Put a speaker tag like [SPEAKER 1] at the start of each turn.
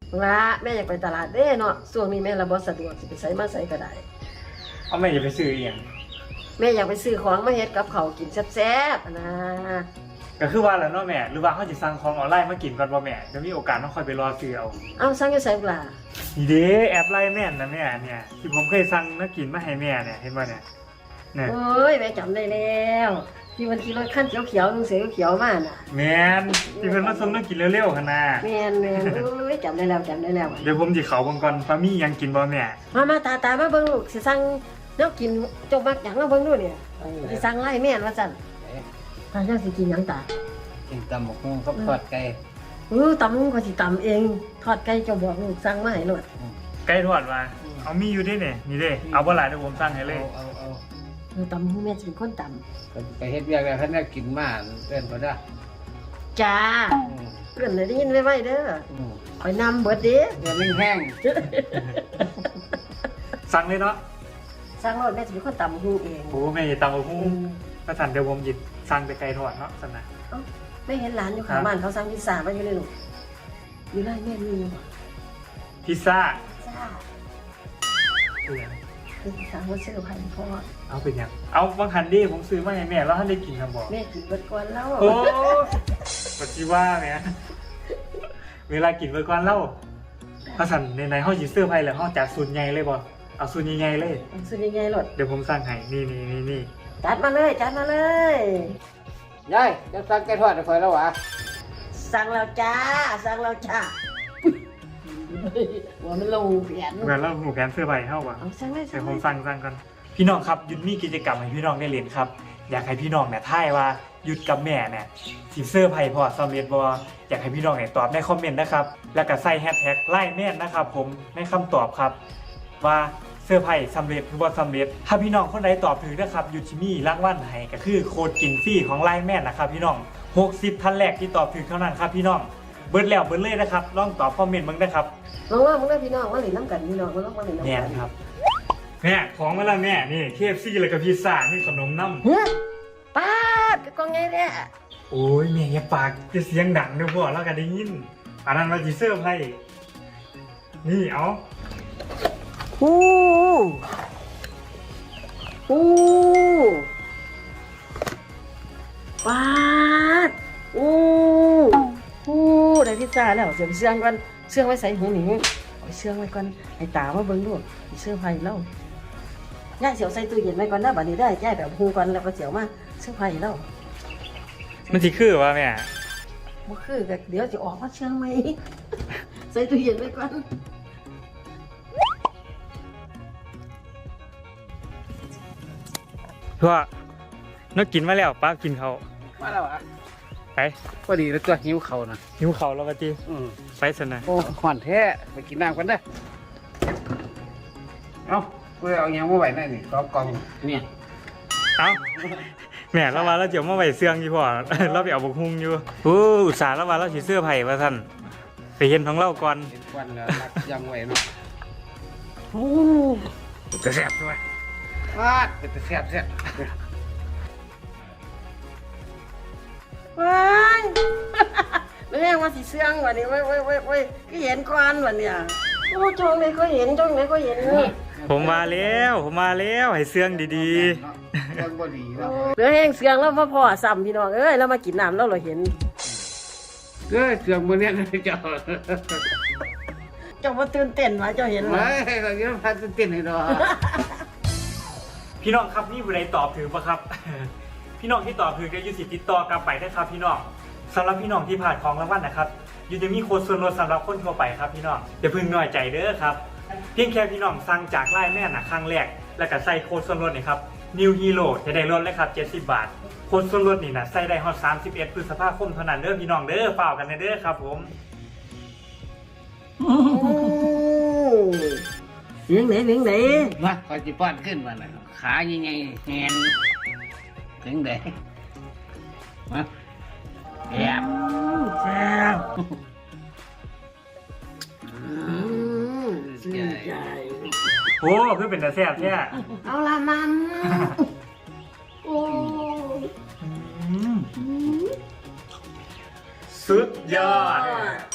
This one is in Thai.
[SPEAKER 1] ละแม่อยากไปตลาดเด้เนาะช่วงนี้แม่ระบ่สะดวกสิไปไสมาไสก็ได้
[SPEAKER 2] เอาแม่อย่าไปซื้ออีหยัง
[SPEAKER 1] แม่อยากไปซื้อของมาเฮ็ดกับข้าวกินแซ่บๆนะ
[SPEAKER 2] ก็คือว่าแล้วเนาะแม่หรือว่าเขาจะสั่งของออนไลน์มากินก่อนบ่แม่จะมีโอกาสต้องคอยไปรอซื้อเอา
[SPEAKER 1] สั่งอยู่ไสบ่ล่ะ
[SPEAKER 2] นี่เด้แอปไลน์แม่นนะแม่เนี่ยที่ผมเคยสั่งมากินมาให้แม่เนี่ยเห็นบ่เนี่ย
[SPEAKER 1] โอ้ยแม่จำได้แล้วที่วันขี่รถคันเขียวๆลุงเสือเขียวมาน่ะ
[SPEAKER 2] แม่นที่เพิ่นมาส่งมากินเร็วๆคั่นน่ะ
[SPEAKER 1] แม่นโอ้ยจำได้แล้ว
[SPEAKER 2] เดี๋ยวผมสิเข้าเบิ่งก่อนว่ามีหยังกินบ่แม่
[SPEAKER 1] มาตามาเบิ่งลูกสิสั่งแนวกินเจ้ามักหยังมาเบิ่งดูเนี่ยสิสั่งไล่แม่นว่าซั่นตาเจ้าสิกินหยังตา
[SPEAKER 3] กินตำบักหุ่งกับทอดไก่
[SPEAKER 1] ตำก็สิตำเองทอดไก่เจ้าบอกลูกสั่งมาให้โลด
[SPEAKER 2] ไก่ทอดว่าเอามีอยู่เด้นี่นี่เด้เอาบ่หลายเดี๋ยวผมสั่งให้เลย
[SPEAKER 1] เอาตำแม่สิเป็นคนตำ
[SPEAKER 3] ไปเฮ็ดเวียกแล้วท่านได้กินมาเอิ้นบ่ได้
[SPEAKER 1] จ้าเอิ้นได้ยินไว้เด้อข่อยนำเบิดเด้
[SPEAKER 3] เดี๋ยวแห้ง
[SPEAKER 2] สั่งเลยเนาะ
[SPEAKER 1] สั่งโลดแม่สิเป็นคนตำฮู้เอง
[SPEAKER 2] โอ้แม่ตำบักหุ่งก็สั่นเดี๋ยวผมหยิบสั่งแต่ไก่ทอดเนาะสั่นน่ะ
[SPEAKER 1] ไม่เห็นร้านอยู่ข้างบ้านเขาสั่งพิซซ่ามาอยู่เลยลูกอยู่ไรแม่มีอยู่
[SPEAKER 2] พิซซ่า
[SPEAKER 1] คือสั่งว่าซื้อให้พ่อ
[SPEAKER 2] เอาเป็นยังเอาบางคันดิผมซื้อมาให้แม่แล้วท่านได้กินครับบอก
[SPEAKER 1] แม่กินเบิดก่อนแล้ว
[SPEAKER 2] โอ้ปัจจุบันเนี่ยเวลากินเบิดก่อนแล้วถ้าสั่นในห้องจีเสื้อไผ่แล้วห้องจัดสูตรใหญ่เลยบ่เอาสูตรใหญ่เลย
[SPEAKER 1] สูตรใหญ่ๆหลด
[SPEAKER 2] เดี๋ยวผมสั่งให้นี่
[SPEAKER 1] จัดมาเลย
[SPEAKER 3] ยายจะสั่งไก่ทอดให้ข่อยแล้ววะ
[SPEAKER 1] สั่งแล้วจ้าว่ามันลงแผน
[SPEAKER 2] เหมือนเราหูแผนเสื้อไผ่เข้าป่ะ
[SPEAKER 1] สั่งเลย
[SPEAKER 2] เดี๋ยวผมสั่งกันพี่น้องครับยุดมีกิจกรรมให้พี่น้องได้เรียนครับอยากให้พี่น้องเนี่ยท่ายว่ายุดกับแม่เนี่ยสิเสื้อไผ่พอสำเร็จบ่อยากให้พี่น้องเนี่ยตอบในคอมเมนต์นะครับแล้วก็ใส่แฮชแท็กไล่แม่นนะครับผมในคำตอบครับว่าเสื้อไผ่สำเร็จหรือว่าสำเร็จถ้าพี่น้องคนใดตอบถูกนะครับยุดชิมี่รางวัลให้ก็คือโค้ดกินฟรีของไล่แม่นนะครับพี่น้อง60ท่านแรกที่ตอบถูกเท่านั้นครับพี่น้องเบิร์ดแล้วเบิร์ดเลยนะครับลองตอบคอมเมนต์มึงนะครับ
[SPEAKER 1] ลองว่ามึงได้พี่น้องว่าหรือน้ำกันพี่น้องมาลองว่าหรือน้ำกัน
[SPEAKER 2] แม่ครับแม่ของมาแล้วแม่นี่ KFC แล้วก็พิซซ่านี่ขนมน้
[SPEAKER 1] ำป้าดกองไงเนี่ย
[SPEAKER 2] โอ้ยแม่อย่าปากจะเสียงดังเดี๋ยวพ่อแล้วก็ได้ยินอันนั้นมาจีเซอร์ไพ่นี่เอา
[SPEAKER 1] ป้าดได้พิซซ่าแล้วเสียบเชื่องก่อนเชื่องไว้ใส่หูหนิเอาเชื่องไว้ก่อนไอ้ตามาเบิ่งดูเชื่อไผ่แล้วย่าเสียวใส่ตู้เย็นไว้ก่อนนะบัดนี้ได้ย่าแบบหูก่อนแล้วก็เสียวมาเชื่อไผ่แล้ว
[SPEAKER 2] มันสิคือวะแม่
[SPEAKER 1] บ่คือก็เดี๋ยวจะออกมาเชื่องไหมใส่ตู้เย็นไว้ก่อน
[SPEAKER 2] เพราะนักกินมาแล้วป้ากินเขา
[SPEAKER 3] มาแล้วอ่ะ
[SPEAKER 2] ไป
[SPEAKER 3] พอดีแล้วตัวหิวเขานะ
[SPEAKER 2] หิวเขาแล้วปะจีไปสนะ
[SPEAKER 3] โอ้ขวัญแท้ไปกินน้ำกันได้เอาเพื่อเอาอย่างมาไหวได้นี่ก็กองเนี่ย
[SPEAKER 2] เอาแม่เราว่าเราเจียวมาไหวเสื่องยี่พ่อเราไปเอาบุกฮุงอยู่อุตส่าห์เราว่าเราสีเสื้อไผ่มาท่านไปเห็นของเราก่อน
[SPEAKER 3] เห็นควันแล้วยังไหวเนาะ
[SPEAKER 2] จะแซ่บด้วย
[SPEAKER 3] วาดจะแซ่บ
[SPEAKER 1] ว้ายไม่แม่ว่าสีเสื่องวันนี้เว้ยก็เห็นควันวันเนี้ยโอ้จ้องไหนก็เห็น
[SPEAKER 2] ผมมาแล้วให้เสื่องดี
[SPEAKER 3] ๆเสื่องบ่ดีแล้ว
[SPEAKER 1] เหลือแห้งเสื่องแล้วพ่อซ้ำพี่น้องแล้วมากินน้ำแล้วเราเห็น
[SPEAKER 3] เสื่องบนเนี้ยเ
[SPEAKER 1] จ้ามาตื่นเต้นมาเจ้าเห็นไหม
[SPEAKER 3] เราเยอะพันตื่นเต้นให้ดอก
[SPEAKER 2] พี่น้องครับนี่ผู้ใดตอบถือปะครับพี่น้องที่ตอบถือจะยูสิติดต่อกลับไปได้ครับพี่น้องสำหรับพี่น้องที่ผ่านของรางวัลนะครับยูจะมีโค้ดส่วนลดสำหรับคนทั่วไปครับพี่น้องอย่าพึ่งน้อยใจเด้อครับเพียงแค่พี่น้องสั่งจากไลน์แม่ครั้งแรกแล้วก็ใส่โค้ดส่วนลดนี่ครับ New Hero จะได้ลดเลยครับ70 บาทโค้ดส่วนลดนี่นะใส่ได้ฮอด31 พฤษภาคมเท่านั้นเด้อพี่น้องเด้อฝ่ากกันเด้อครับผม
[SPEAKER 1] เสียงไหน
[SPEAKER 3] มาคอยจิป้อนขึ้นมาเลยขายังไงแหนถึงเด้มาแอบ
[SPEAKER 2] โอ้เพื่อเป็นแต่แซ่บแท้
[SPEAKER 1] เอาละมันโอ้
[SPEAKER 2] สุดยอด